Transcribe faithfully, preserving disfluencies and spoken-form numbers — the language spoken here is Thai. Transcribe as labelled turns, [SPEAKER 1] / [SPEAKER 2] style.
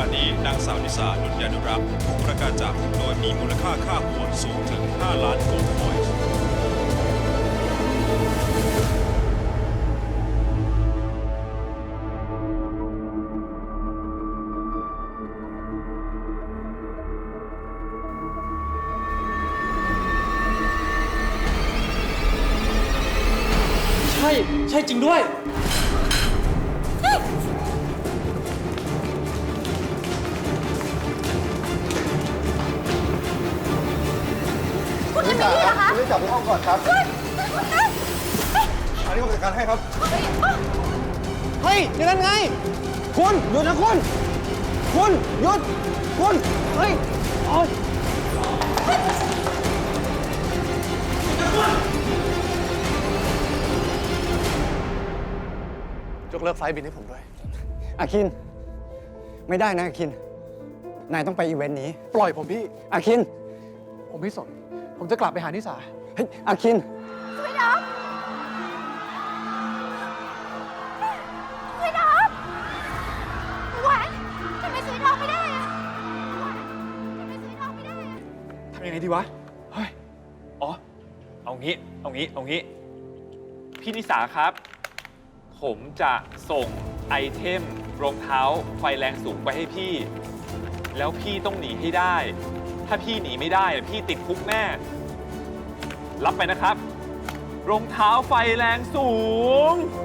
[SPEAKER 1] นี้นางสาวนิสานุชยานุรักษ์ถูกประกาศจับโดยมีมูลค่าค่าหัวสูงถึงห้าล้านโกลด์คอยน์
[SPEAKER 2] ใช่ ใช่จริงด้วย
[SPEAKER 3] คุณเอมิลี่เหรอคะ
[SPEAKER 4] คุณรีบกลับไปห้องก่อนครับอันนี้ผมจัดการให้ครับ
[SPEAKER 5] เฮ้ยอย่างนั้นไง คุณหยุดนะคุณ คุณหยุด คุณ เฮ้ยโอ๊ยยกเลิกไฟล์บินให้ผมด้วย อาคิน ไม่ได้นะอาคิน นายต้องไปอีเวนต์นี้
[SPEAKER 2] ปล่อยผมพี่
[SPEAKER 5] อาคิน
[SPEAKER 2] ผมไม่สน ผมจะกลับไปหานิสา
[SPEAKER 5] เฮ้ย อาคิน
[SPEAKER 3] สวยน้องสวยน้องหวานทำไมสวยน้องไม่ได้อะหวานทำไมสวยน้องไม่ได้อะ
[SPEAKER 2] ทำยังไงดีวะ
[SPEAKER 6] เฮ้ย อ๋อ เอางี้ เอางี้ เอางี้ พี่นิสาครับ ผมจะส่งไอเทมรองเท้าไฟแรงสูงไปให้พี่ แล้วพี่ต้องหนีให้ได้ ถ้าพี่หนีไม่ได้ พี่ติดคุกแน่ รับไปนะครับ รองเท้าไฟแรงสูง